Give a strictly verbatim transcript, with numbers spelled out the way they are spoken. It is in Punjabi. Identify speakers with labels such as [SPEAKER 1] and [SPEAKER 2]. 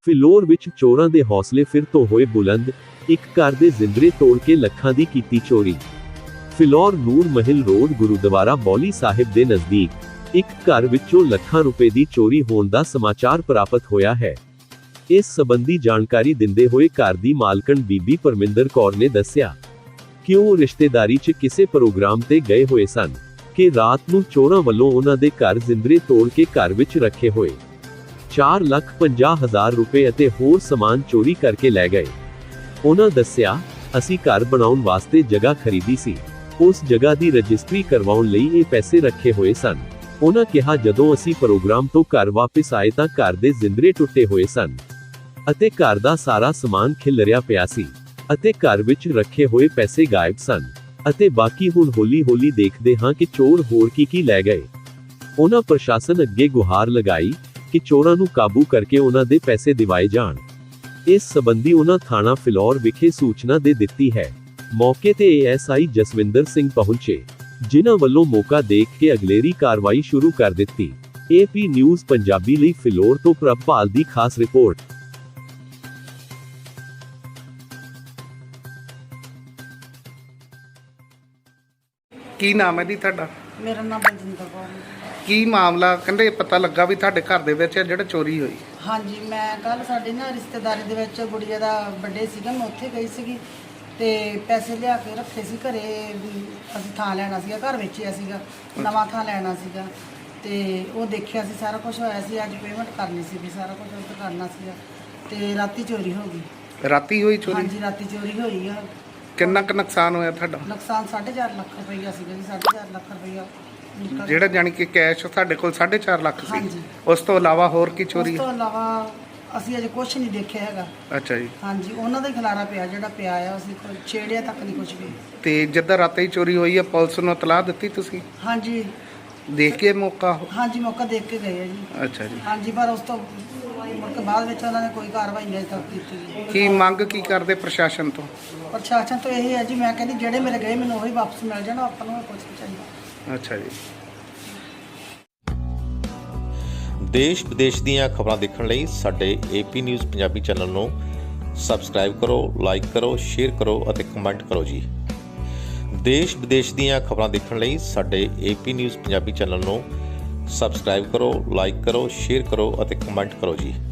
[SPEAKER 1] ਫਿਲੌਰ ਵਿੱਚ ਚੋਰਾਂ ਦੇ ਹੌਸਲੇ ਫਿਰ ਤੋਂ ਹੋਏ ਬੁਲੰਦ। ਇੱਕ ਘਰ ਦੇ ਜ਼ਿੰਦਰੇ ਤੋੜ ਕੇ ਲੱਖਾਂ ਦੀ ਕੀਤੀ ਚੋਰੀ। ਫਿਲੌਰ ਨੂਰ ਮਹਿਲ ਰੋਡ ਗੁਰੂਦੁਆਰਾ ਬੌਲੀ ਸਾਹਿਬ ਦੇ ਨਜ਼ਦੀਕ ਇੱਕ ਘਰ ਵਿੱਚੋਂ ਲੱਖਾਂ ਰੁਪਏ ਦੀ ਚੋਰੀ ਹੋਣ ਦਾ ਸਮਾਚਾਰ ਪ੍ਰਾਪਤ ਹੋਇਆ ਹੈ। ਇਸ ਸੰਬੰਧੀ ਜਾਣਕਾਰੀ ਦਿੰਦੇ ਹੋਏ ਘਰ ਦੀ ਮਾਲਕਣ ਬੀਬੀ ਪਰਮਿੰਦਰ ਕੌਰ ਨੇ ਦੱਸਿਆ ਕਿ ਉਹ ਰਿਸ਼ਤੇਦਾਰੀ 'ਚ ਕਿਸੇ ਪ੍ਰੋਗਰਾਮ ਤੇ ਗਏ ਹੋਏ ਸਨ ਕਿ ਰਾਤ ਨੂੰ ਚੋਰਾਂ ਵੱਲੋਂ ਉਹਨਾਂ ਦੇ ਘਰ ਜ਼ਿੰਦਰੇ ਤੋੜ ਕੇ ਘਰ ਵਿੱਚ ਰੱਖੇ ਹੋਏ ਚਾਰ ਲੱਖ ਪੰਜਾਹ ਹਜ਼ਾਰ ਰੁਪਏ ਅਤੇ ਹੋਰ ਸਮਾਨ ਚੋਰੀ ਕਰਕੇ ਲੈ ਗਏ। ਉਹਨਾਂ ਦੱਸਿਆ, ਅਸੀਂ ਘਰ ਬਣਾਉਣ ਵਾਸਤੇ ਜਗ੍ਹਾ ਖਰੀਦੀ ਸੀ। ਉਸ ਜਗ੍ਹਾ ਦੀ ਰਜਿਸਟਰੀ ਕਰਵਾਉਣ ਲਈ ਇਹ ਪੈਸੇ ਰੱਖੇ ਹੋਏ ਸਨ। ਉਹਨਾਂ ਕਿਹਾ ਜਦੋਂ ਅਸੀਂ ਪ੍ਰੋਗਰਾਮ ਤੋਂ ਘਰ ਵਾਪਸ ਆਏ ਤਾਂ ਘਰ ਦੇ ਜ਼ਿੰਦਰੇ ਟੁੱਟੇ ਹੋਏ ਸਨ ਅਤੇ ਘਰ ਦਾ ਸਾਰਾ ਸਮਾਨ ਖਿਲਰਿਆ ਪਿਆ ਸੀ ਅਤੇ ਘਰ ਵਿੱਚ ਰੱਖੇ ਹੋਏ ਪੈਸੇ ਗਾਇਬ ਸਨ ਅਤੇ ਬਾਕੀ ਹੁਣ ਹੌਲੀ ਹੌਲੀ ਦੇਖਦੇ ਹਾਂ ਕਿ ਚੋਰ ਹੋਰ ਕੀ ਕੀ ਲੈ ਗਏ। ਉਹਨਾਂ ਪ੍ਰਸ਼ਾਸਨ ਅੱਗੇ ਗੁਹਾਰ ਲਗਾਈ ਕਿ ਚੋਰਾਂ ਨੂੰ ਕਾਬੂ ਕਰਕੇ ਉਹਨਾਂ ਦੇ ਪੈਸੇ ਦਿਵਾਏ ਜਾਣ। ਇਸ ਸੰਬੰਧੀ ਉਹਨਾਂ ਥਾਣਾ ਫਿਲੌਰ ਵਿਖੇ ਸੂਚਨਾ ਦੇ ਦਿੱਤੀ ਹੈ। ਮੌਕੇ ਤੇ A S I Jaswinder Singh ਪਹੁੰਚੇ, ਜਿਨ੍ਹਾਂ ਵੱਲੋਂ ਮੌਕਾ ਦੇਖ ਕੇ ਅਗਲੇਰੀ ਕਾਰਵਾਈ ਸ਼ੁਰੂ ਕਰ ਦਿੱਤੀ। ਏ ਪੀ ਨਿਊਜ਼ ਪੰਜਾਬੀ ਲਈ ਫਿਲੌਰ ਤੋਂ ਪ੍ਰਭਪਾਲ ਦੀ ਖਾਸ ਰਿਪੋਰਟ।
[SPEAKER 2] ਕੀ ਨਾਮ ਹੈ ਜੀ ਤੁਹਾਡਾ?
[SPEAKER 3] ਮੇਰਾ ਨਾਮ ਬਲਜਿੰਦਰ ਕੌਰ ਹੈ।
[SPEAKER 2] ਕੀ ਮਾਮਲਾ? ਕਹਿੰਦੇ ਪਤਾ ਲੱਗਾ ਵੀ ਤੁਹਾਡੇ ਘਰ ਦੇ ਵਿੱਚ ਜਿਹੜਾ ਚੋਰੀ ਹੋਈ।
[SPEAKER 3] ਹਾਂਜੀ, ਮੈਂ ਕੱਲ ਸਾਡੇ ਨਾ ਰਿਸ਼ਤੇਦਾਰੀ ਦੇ ਵਿੱਚ ਗੁੜੀਆ ਦਾ ਬਰਥਡੇ ਸੀਗਾ, ਮੈਂ ਉੱਥੇ ਗਈ ਸੀਗੀ ਤੇ ਪੈਸੇ ਲਿਆ ਕੇ ਰੱਖੇ ਸੀ ਘਰੇ ਵੀ ਅਸੀਂ ਥਾਂ ਲੈਣਾ ਸੀਗਾ, ਘਰ ਵੇਚਿਆ ਸੀਗਾ, ਨਵਾਂ ਥਾਂ ਲੈਣਾ ਸੀਗਾ ਤੇ ਉਹ ਦੇਖਿਆ ਸੀ ਸਾਰਾ ਕੁਝ ਹੋਇਆ ਸੀ। ਅੱਜ ਪੇਮੈਂਟ ਕਰਨੀ ਸੀਗੀ, ਸਾਰਾ ਕੁਝ ਉੱਥੇ ਕਰਨਾ ਸੀਗਾ ਤੇ ਰਾਤੀ ਚੋਰੀ ਹੋ ਗਈ।
[SPEAKER 2] ਰਾਤੀ ਹੋਈ ਚੋਰੀ?
[SPEAKER 3] ਹਾਂਜੀ, ਰਾਤੀ ਚੋਰੀ ਹੋਈ ਆ।
[SPEAKER 2] ਕਿੰਨਾ ਕੁ ਨੁਕਸਾਨ ਹੋਇਆ ਤੁਹਾਡਾ?
[SPEAKER 3] ਨੁਕਸਾਨ ਸਾਢੇ ਚਾਰ ਲੱਖ ਰੁਪਈਆ ਸੀਗਾ ਜੀ। ਸਾਢੇ ਚਾਰ ਲੱਖ ਰੁਪਈਆ ਨਿਕਲ-
[SPEAKER 2] ਜਿਹੜਾ ਜਾਣੀ ਕਿ ਕੈਸ਼ ਸਾਡੇ ਕੋਲ ਸਾਢੇ ਚਾਰ ਲੱਖ ਸੀ।
[SPEAKER 3] ਹਾਂਜੀ।
[SPEAKER 2] ਉਸ ਤੋਂ ਇਲਾਵਾ ਹੋਰ ਕੀ ਚੋਰੀ?
[SPEAKER 3] ਉਸ ਤੋਂ ਇਲਾਵਾ ਅਸੀਂ ਅਜੇ ਕੁਝ ਨਹੀਂ ਦੇਖਿਆ ਹੈਗਾ।
[SPEAKER 2] ਅੱਛਾ ਜੀ।
[SPEAKER 3] ਹਾਂਜੀ, ਉਹਨਾਂ ਦਾ ਹੀ ਖਿਲਾਰਾ ਪਿਆ ਜਿਹੜਾ ਪਿਆ ਆ, ਅਸੀਂ ਕੋਈ ਛੇੜਿਆ ਤੱਕ ਨਹੀਂ ਕੁਝ ਵੀ।
[SPEAKER 2] ਤੇ ਜਿੱਦਾਂ ਰਾਤੀ ਹੀ ਚੋਰੀ ਹੋਈ ਹੈ ਪੁਲਿਸ ਨੂੰ ਇਤਲਾਹ ਦਿੱਤੀ ਤੁਸੀਂ?
[SPEAKER 3] ਹਾਂਜੀ
[SPEAKER 2] ਦੇਖ ਕੇ ਮੌਕਾ?
[SPEAKER 3] ਹਾਂਜੀ, ਮੌਕਾ ਦੇਖ ਕੇ ਗਏ ਆ ਜੀ।
[SPEAKER 2] ਅੱਛਾ ਜੀ।
[SPEAKER 3] ਹਾਂਜੀ, ਪਰ ਉਸ ਤੋਂ ਮੁੜ ਕੇ ਬਾਅਦ ਵਿੱਚ ਉਹਨਾਂ ਨੇ ਕੋਈ ਕਾਰਵਾਈ ਨਹੀਂ ਅਜੇ ਤੱਕ ਕੀਤੀ ਜੀ।
[SPEAKER 2] ਕੀ ਮੰਗ ਕੀ ਕਰਦੇ ਪ੍ਰਸ਼ਾਸਨ ਤੋਂ?
[SPEAKER 3] ਪ੍ਰਸ਼ਾਸਨ ਤੋਂ ਇਹ ਹੈ ਜੀ, ਮੈਂ ਕਹਿੰਦੀ ਜਿਹੜੇ ਮੇਰੇ ਗਏ ਮੈਨੂੰ ਉਹੀ ਵਾਪਸ ਮਿਲ ਜਾਣ, ਆਪਾਂ ਨੂੰ ਕੁਝ ਨਹੀਂ ਚਾਹੀਦਾ।
[SPEAKER 2] ਅੱਛਾ ਜੀ।
[SPEAKER 4] ਦੇਸ਼ ਵਿਦੇਸ਼ ਦੀਆਂ ਖਬਰਾਂ ਦੇਖਣ ਲਈ ਸਾਡੇ ਏਪੀ ਨਿਊਜ਼ ਪੰਜਾਬੀ ਚੈਨਲ ਨੂੰ ਸਬਸਕ੍ਰਾਈਬ ਕਰੋ, ਲਾਈਕ ਕਰੋ, ਸ਼ੇਅਰ ਕਰੋ ਅਤੇ ਕਮੈਂਟ ਕਰੋ ਜੀ। ਦੇਸ਼ ਵਿਦੇਸ਼ ਦੀਆਂ ਖਬਰਾਂ ਦੇਖਣ ਲਈ ਸਾਡੇ ਏਪੀ ਨਿਊਜ਼ ਪੰਜਾਬੀ ਚੈਨਲ ਨੂੰ ਸਬਸਕ੍ਰਾਈਬ ਕਰੋ, ਲਾਈਕ ਕਰੋ, ਸ਼ੇਅਰ ਕਰੋ ਅਤੇ ਕਮੈਂਟ ਕਰੋ ਜੀ।